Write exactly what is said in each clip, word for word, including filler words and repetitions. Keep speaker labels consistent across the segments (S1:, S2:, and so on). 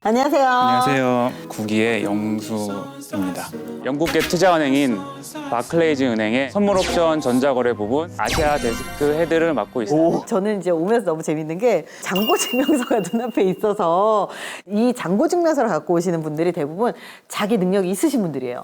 S1: 안녕하세요.
S2: 안녕하세요. 구기의 영수입니다. 영국계 투자은행인 바클레이즈 은행의 선물 옵션 전자거래 부분 아시아 데스크 헤드를 맡고 있습니다.
S1: 저는 이제 오면서 너무 재밌는 게 잔고 증명서가 눈앞에 있어서 이 잔고 증명서를 갖고 오시는 분들이 대부분 자기 능력이 있으신 분들이에요.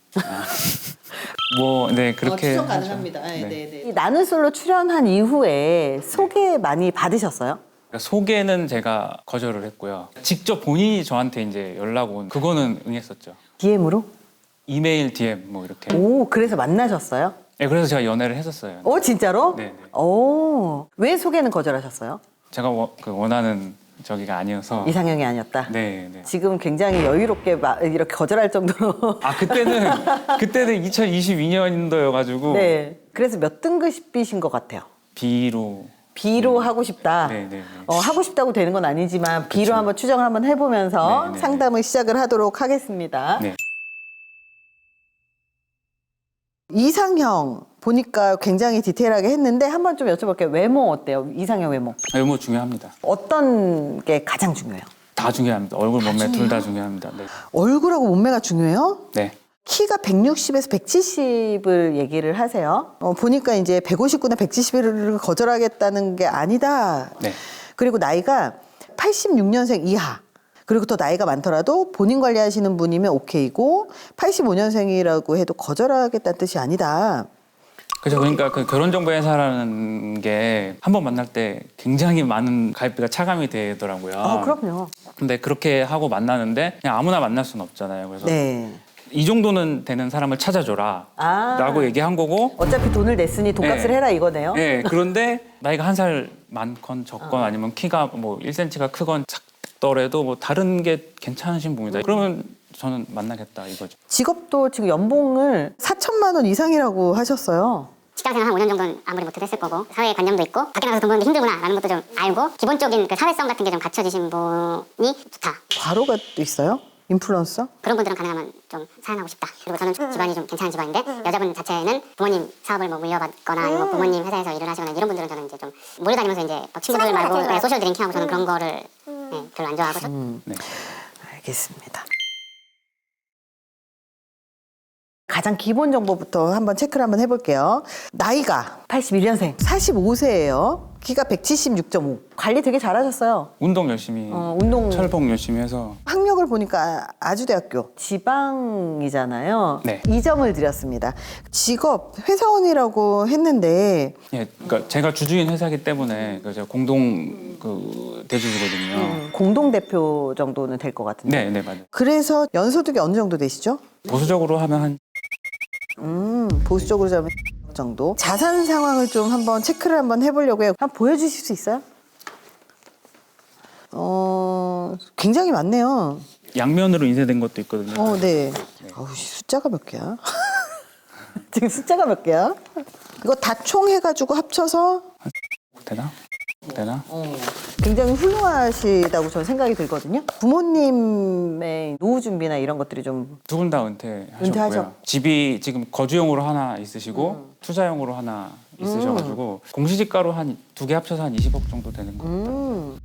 S2: 뭐, 네, 그렇게.
S1: 어, 추정
S2: 하죠.
S1: 가능합니다. 네,
S2: 네.
S1: 네, 네. 이 나는 솔로 출연한 이후에 소개 많이 받으셨어요?
S2: 그러니까 소개는 제가 거절을 했고요. 직접 본인이 저한테 이제 연락 온 그거는 응했었죠.
S1: 디엠으로?
S2: 이메일, 디엠 뭐 이렇게.
S1: 오, 그래서 만나셨어요?
S2: 네, 그래서 제가 연애를 했었어요.
S1: 오, 진짜로?
S2: 네, 네.
S1: 오, 왜 소개는 거절하셨어요?
S2: 제가 워, 그 원하는 저기가 아니어서.
S1: 이상형이 아니었다?
S2: 네, 네.
S1: 지금 굉장히 여유롭게 마- 이렇게 거절할 정도로.
S2: 아, 그때는, 그때는 이천이십이 년도여가지고.
S1: 네. 그래서 몇 등급이신 것 같아요?
S2: B로.
S1: B로 하고 싶다.
S2: 네, 네, 네.
S1: 어, 하고 싶다고 되는 건 아니지만 B로 한번 추정을 한번 해보면서
S2: 네, 네,
S1: 상담을 시작을 하도록 하겠습니다.
S2: 네.
S1: 이상형 보니까 굉장히 디테일하게 했는데 한번 좀 여쭤볼게요. 외모 어때요? 이상형 외모.
S2: 외모 중요합니다.
S1: 어떤 게 가장 중요해요?
S2: 다 중요합니다. 얼굴, 몸매 둘 다 중요합니다. 네.
S1: 얼굴하고 몸매가 중요해요?
S2: 네.
S1: 키가 백육십에서 백칠십을 얘기를 하세요. 어, 보니까 이제 백오십구나 백칠십을 거절하겠다는 게 아니다.
S2: 네.
S1: 그리고 나이가 팔십육 년생 이하. 그리고 더 나이가 많더라도 본인 관리하시는 분이면 오케이고 팔십오 년생이라고 해도 거절하겠다는 뜻이 아니다.
S2: 그죠. 그러니까 그 결혼정보회사라는 게 한 번 만날 때 굉장히 많은 가입비가 차감이 되더라고요.
S1: 아, 그럼요.
S2: 근데 그렇게 하고 만나는데 그냥 아무나 만날 수는 없잖아요. 그래서
S1: 네.
S2: 이 정도는 되는 사람을 찾아줘라.
S1: 아.
S2: 라고 얘기한 거고.
S1: 어차피 돈을 냈으니 돈값을
S2: 네.
S1: 해라 이거네요.
S2: 네. 그런데 나이가 한 살 많건 적건 아니면 키가 뭐 일 센티미터가 크건 작더라도 뭐 다른 게 괜찮으신 분이다. 그러면 저는 만나겠다 이거죠.
S1: 직업도 지금 연봉을 사천만 원 이상이라고 하셨어요.
S3: 직장생활 한 오 년 정도는 아무리 못해도 했을 거고 사회관념도 있고 밖에 나가서 돈 버는 게 힘들구나라는 것도 좀 알고 기본적인 그 사회성 같은 게 좀 갖춰지신 분이 좋다.
S1: 과로가 또 있어요? 인플루언서?
S3: 그런 분들은 가능하면 좀 사연하고 싶다. 그리고 저는 집안이 좀 괜찮은 집안인데 여자분 자체는 부모님 사업을 뭐 물려받거나 아니면 부모님 회사에서 일을 하시거나 이런 분들은 저는 이제 좀 몰려다니면서 이제 막 친구들 말고 네, 소셜 드링킹하고 저는 그런 거를 네, 별로 안 좋아하고
S2: 네.
S1: 알겠습니다. 가장 기본 정보부터 한번 체크를 한번 해볼게요. 나이가 팔십일 년생, 사십오 세예요. 키가 백칠십육 점 오. 관리 되게 잘하셨어요.
S2: 운동 열심히
S1: 어, 운동
S2: 철봉 열심히 해서
S1: 학력을 보니까 아주대학교 지방이잖아요.
S2: 네.
S1: 이 점을 드렸습니다. 직업 회사원이라고 했는데
S2: 예, 그러니까 제가 주주인 회사이기 때문에 그 제가 공동 그 대주주거든요.
S1: 음, 공동 대표 정도는 될 것 같은데.
S2: 네, 네 맞아요.
S1: 그래서 연소득이 어느 정도 되시죠?
S2: 보수적으로 하면 한
S1: 음, 보수적으로 잡으면 정도. 자산 상황을 좀 한번 체크를 한번 해보려고 해요. 한번 보여주실 수 있어요? 어, 굉장히 많네요.
S2: 양면으로 인쇄된 것도 있거든요.
S1: 어, 네. 어우, 숫자가 몇 개야? 지금 숫자가 몇 개야? 이거 다 총 해가지고 합쳐서
S2: 되나? 되나?
S1: 어, 굉장히 훌륭하시다고 저는 생각이 들거든요. 부모님의 노후 준비나 이런 것들이 좀
S2: 두 분 다 은퇴하셨고요.
S1: 은퇴하셨-
S2: 집이 지금 거주용으로 하나 있으시고 투자용으로 하나 있으셔가지고 공시지가로 한 두 개 합쳐서 한 이십억 정도 되는 거.
S1: 음.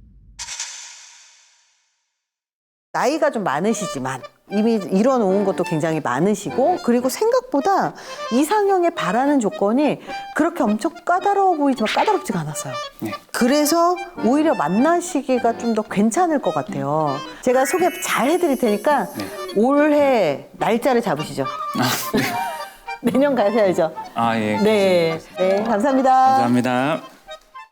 S1: 나이가 좀 많으시지만 이미 이뤄놓은 것도 굉장히 많으시고 그리고 생각보다 이상형에 바라는 조건이 그렇게 엄청 까다로워 보이지만 까다롭지가 않았어요.
S2: 네.
S1: 그래서 오히려 만나시기가 좀 더 괜찮을 것 같아요. 제가 소개 잘 해드릴 테니까
S2: 네.
S1: 올해 날짜를 잡으시죠. 내년 가셔야죠.
S2: 아 예.
S1: 네, 네, 감사합니다.
S2: 감사합니다.